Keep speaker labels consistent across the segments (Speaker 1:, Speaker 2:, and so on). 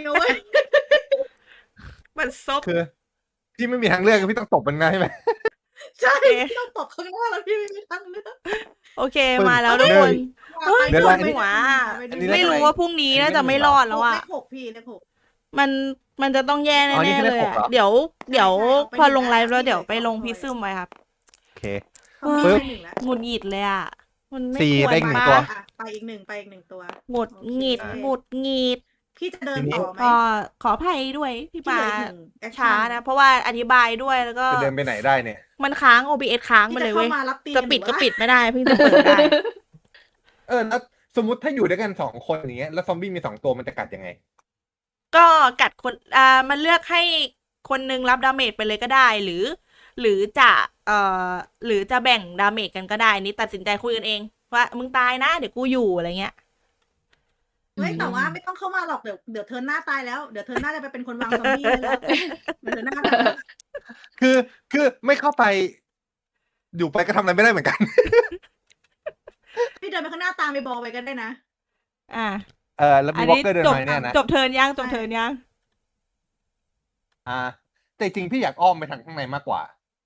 Speaker 1: นะเว้ย
Speaker 2: มันซบ
Speaker 3: คือพี่ไม่มีทางเลือกพี่ต้องตบมันไงใช่ไหม
Speaker 1: ใช่
Speaker 2: โอเค
Speaker 1: พี่ต้องตบข้างหน้าแล้วพี่ไม่มีทางเลือก
Speaker 2: โอเค
Speaker 3: ปึ้ง
Speaker 2: มาแล้วทุก
Speaker 3: หนึ่
Speaker 2: ค
Speaker 3: ง
Speaker 2: น โอ้ย
Speaker 1: ไป
Speaker 3: เดี๋ยว
Speaker 2: ปวด
Speaker 3: อันนี้
Speaker 2: หัว
Speaker 1: ไปดู
Speaker 3: อันนี้
Speaker 2: ไม่รู้ว่าพรุ่งนี้น่าจะไม่รอดแล้ว
Speaker 1: เล
Speaker 2: อ่ะ
Speaker 1: ขหกพี่เลขหก
Speaker 2: มันจะต้องแย่
Speaker 3: อ๋อนี่
Speaker 2: แน่
Speaker 3: คือ
Speaker 2: ๆ
Speaker 3: เล
Speaker 2: เล
Speaker 3: ข
Speaker 2: ย
Speaker 3: หก
Speaker 2: อ่ะ
Speaker 3: เหรอ
Speaker 2: เดี๋ยว
Speaker 1: ใช่เอาไป
Speaker 2: พอ
Speaker 1: หนึ่ง
Speaker 2: ลงไลฟ์แล้ว
Speaker 1: นะ
Speaker 2: เดี๋ยว
Speaker 1: ที่
Speaker 2: ไป
Speaker 1: เหลือ
Speaker 2: ลง
Speaker 1: สอง
Speaker 2: พิซ
Speaker 1: ตัว
Speaker 2: ซึมไปครับ
Speaker 3: โอเค
Speaker 1: เขามี
Speaker 3: ปึ๊บ
Speaker 1: แค่หนึ่งแล้ว
Speaker 2: หงุดหงิดเลยอ่ะ มันไม่
Speaker 3: สี่
Speaker 2: ควร
Speaker 3: ได้อีกหนึ่ง
Speaker 2: ปะ
Speaker 3: ตัว
Speaker 1: อ่ะไปอีกหนึ่งตัว
Speaker 2: หงุดหงิด
Speaker 1: โอเค
Speaker 2: หงุดหงิด
Speaker 1: พี่จะเดิน
Speaker 3: ทีนี้
Speaker 1: ต่อไหม
Speaker 2: ก็ขออภัยด้วยที่
Speaker 1: พี่
Speaker 2: มา
Speaker 1: เหลืออีกหนึ่งแอค
Speaker 2: ช้า
Speaker 1: ชั่น
Speaker 2: นะ เพราะว่าอธิบายด้วยแล้วก็
Speaker 3: จะเดินไปไหนได้เนี่ย
Speaker 2: มันค้าง OBS ค้าง
Speaker 1: พี่
Speaker 2: ไป
Speaker 1: จะ
Speaker 2: เลย
Speaker 1: เข้า
Speaker 2: เว้ย
Speaker 1: มารับตี
Speaker 2: จะปิด
Speaker 1: หรือ
Speaker 2: ก็
Speaker 1: ว่า
Speaker 2: ปิดไม่ได้เพิ่งจะเปิดได้
Speaker 3: แล้วสมมติถ้าอยู่ด้วยกัน2 คนอย่างเงี้ยแล้วซอมบี้มี2 ตัวมันจะกัดยังไง
Speaker 2: ก็กัดคนมันเลือกให้คนหนึงรับดาเมจไปเลยก็ได้ หรือจะหรือจะแบ่งดาเมจกันก็ได้นี่ตัดสินใจคุยกันเอง ว่ามึงตายนะเดี๋ยวกูอยู่อะไรเงี้ย
Speaker 1: เฮ้ยแต่ว่าไม่ต้องเข้ามาหรอกเดี๋ยวเธอหน้าตายแล้วเดี๋ยวเธอหน้าจะไปเป็นคนวางซอมบี้ไว้แล้วเดี๋ยวเธอหน้าตายแล้ว
Speaker 3: คือไม่เข้าไป อยู่ไปก็ทำอะไรไม่ได้เหมือนกัน
Speaker 1: พี่เดินไปข้างหน้าตามไปบอกไปกันได้นะ
Speaker 2: อ่า
Speaker 3: แล้ว
Speaker 2: อั
Speaker 3: มี
Speaker 2: น
Speaker 3: วอล์
Speaker 2: นี้
Speaker 3: กเกอร์เดิน
Speaker 2: จบ
Speaker 3: มาเนี่ยนะ
Speaker 2: จบเทิร์นยังจบ
Speaker 1: ใช่
Speaker 2: เทิร์นยัง
Speaker 3: แต่จริงพี่อยากอ้อมไปทางข้างในมากกว่า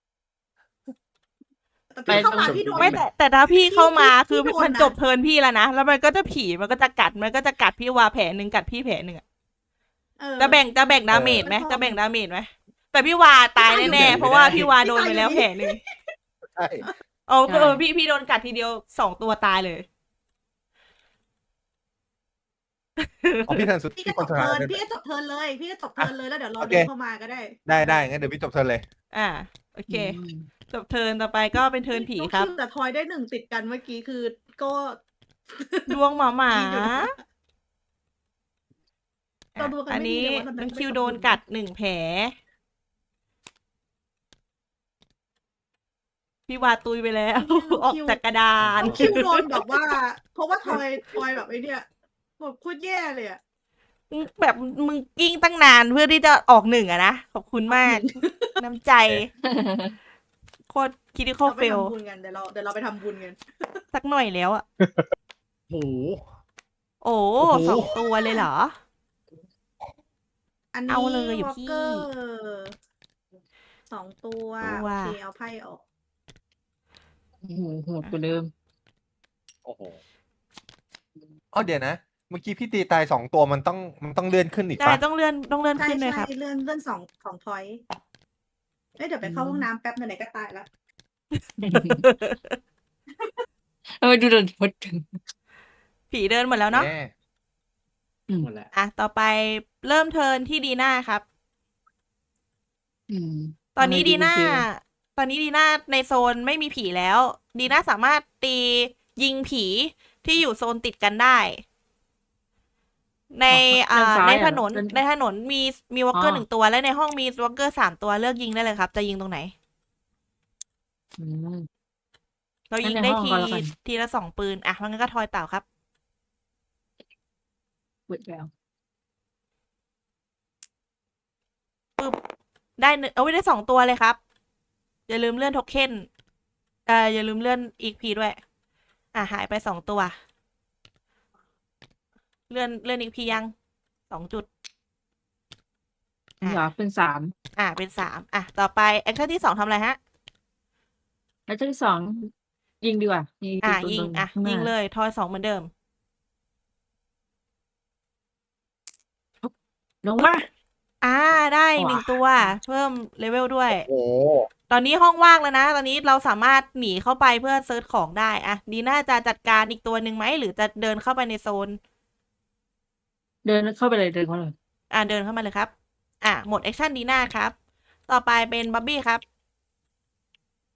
Speaker 1: แต่พี่เข้ามา
Speaker 4: ไป
Speaker 1: พี่โดน
Speaker 2: ไม่แต่ถ้าพี่เข้ามา
Speaker 1: พี่
Speaker 2: คือ
Speaker 1: โดน
Speaker 2: มัน
Speaker 1: นะ
Speaker 2: จบเทิร์นพี่แล้วนะแล้วมันก็จะผีมันก็จะกัดพี่วาแผลหนึ่งกัดพี่แผลหนึ่งอะ
Speaker 1: เออ
Speaker 2: จะแบ่งดาเมจไหม
Speaker 1: เออ
Speaker 2: จะแบ่งดาเมจไหมแต่พี่วาตายแน่ๆเพราะว่าพี่วาโดนไปแล้วแผลหนึ่ง
Speaker 3: ใช่
Speaker 2: อ๋อพี่โดนกัดทีเดียว2 ตัวตายเลย
Speaker 3: อ๋อพี่ทันสุด
Speaker 1: พี่
Speaker 3: ที่
Speaker 1: ก็
Speaker 3: ค
Speaker 1: จ
Speaker 3: น
Speaker 1: บ
Speaker 3: สุดท้า
Speaker 1: เทิ
Speaker 3: ย
Speaker 1: ร์นพี่ก็จบเทิร์นเลยพี่ก็จบเทิร์นเลยแล้วเดี๋ยวรอ
Speaker 3: โอเค
Speaker 1: เดินเข้ามาก็ได้
Speaker 3: ได้งั้นเดี๋ยวพี่จบเทิร์นเลย
Speaker 2: อ่าโอเค จบเทิร์นต่อไปก็เป็นเทิร์นผีครับ
Speaker 1: แต่ทอยได้1ติดกันเมื่อกี้คือก็
Speaker 2: ดวงหมา
Speaker 1: ดีอยู่นะ เราดูกัน
Speaker 2: อัน
Speaker 1: ไม่ดี
Speaker 2: นี้
Speaker 1: เลยว่าเรา
Speaker 2: น้อง
Speaker 1: ไม่
Speaker 2: คิว
Speaker 1: ขอบคุณ
Speaker 2: โดนกัด1 แผลพี่วาตุยไปแล้ว ออกจากกระดาน
Speaker 1: คิวโดนแบบว่า เพราะว่าทอยแบบไอ้เนี่ยแบบโคตรแย่เลยอะ
Speaker 2: แบบมึงกิ้งตั้งนานเพื่อที่จะออก1อะนะ ขอบคุณมาก น้ำใจ โคตรคิดที่โค
Speaker 1: เรา
Speaker 2: ตร
Speaker 1: ไป
Speaker 2: เฟล
Speaker 1: ทำบุญกันเดี๋ยวเราไปทำบุญกัน
Speaker 2: สักหน่อยแล้วอะ
Speaker 3: โห
Speaker 2: โอ้
Speaker 3: โอ้โห
Speaker 2: 2 ตัวเลยเหรอ
Speaker 1: อันนี้
Speaker 2: เอาเลยอะ
Speaker 1: วอล
Speaker 2: พี่
Speaker 1: เกอร์2 ตัวโอเคเอาไพ่ออก
Speaker 4: โหดกว่าเดิม
Speaker 3: โอ้โหเดี๋ยวนะ เมื่อกี้พี่ตีตาย2 ตัวมันต้องเลื่อนขึ้นอีก
Speaker 2: ได้
Speaker 3: ปะ
Speaker 2: ต้องเลื่อน
Speaker 1: ใช่
Speaker 2: ขึ้นเลยครับ
Speaker 1: เลื่อนสองพอยต์เดี๋ยวไปเข้าห้องน้ำแป๊บไหนๆก็ตายแล้ว
Speaker 4: ดูเดินพด
Speaker 2: ผีเดินหมดแล้วเนาะ
Speaker 3: แน่
Speaker 4: หมดแล้ว
Speaker 2: อ่ะ ต่อไปเริ่มเทิร์นที่ดีน่าครับ ตอนนี้ดีน่าในโซนไม่มีผีแล้ว ดีน่าสามารถตียิงผีที่อยู่โซนติดกันได้ ในในถนนมีวอลเกอร์1 ตัว และในห้องมีวอลเกอร์3 ตัวเลือกยิงได้เลยครับ จะยิงตรงไหน เรายิงได้ทีละ2 ปืน อ่ะงั้นก็ทอยเต่าครับ
Speaker 4: เปิดแล้ว
Speaker 2: ได้เอาไว้ได้2 ตัวเลยครับ อย่าลืมเลื่อนโทเค็นอย่าลืมเลื่อนอีกพีด้วย อ่ะหายไป2 ตัว เลื่อนอีกพียัง2 จุด
Speaker 4: เหรอเป็น3
Speaker 2: เป็น3อ่ะต่อไปแอคชั่นที่2ทำอะไรฮะ
Speaker 4: แล้วที่2ยิงดีกว่ายิง
Speaker 2: ยิงยิงเลยทอย2เหมือนเดิม
Speaker 4: ลงมา
Speaker 2: ได้
Speaker 4: ว้า
Speaker 2: 1 ตัว เพิ่มเลเวลด้วย
Speaker 3: โอ้
Speaker 2: ตอนนี้ห้องว่างแล้วนะ ตอนนี้เราสามารถหนีเข้าไปเพื่อเซิร์ชของได้อ่ะดีน่าจะจัดการอีกตัวหนึ่งไหมหรือจะเดินเข้าไปในโซน
Speaker 4: เดินเข้าไปเลยเดินเข้าเลย
Speaker 2: เดินเข้ามาเลยครับ หมดแอคชั่นดีน่าครับ ต่อไปเป็นบับบี้ครับ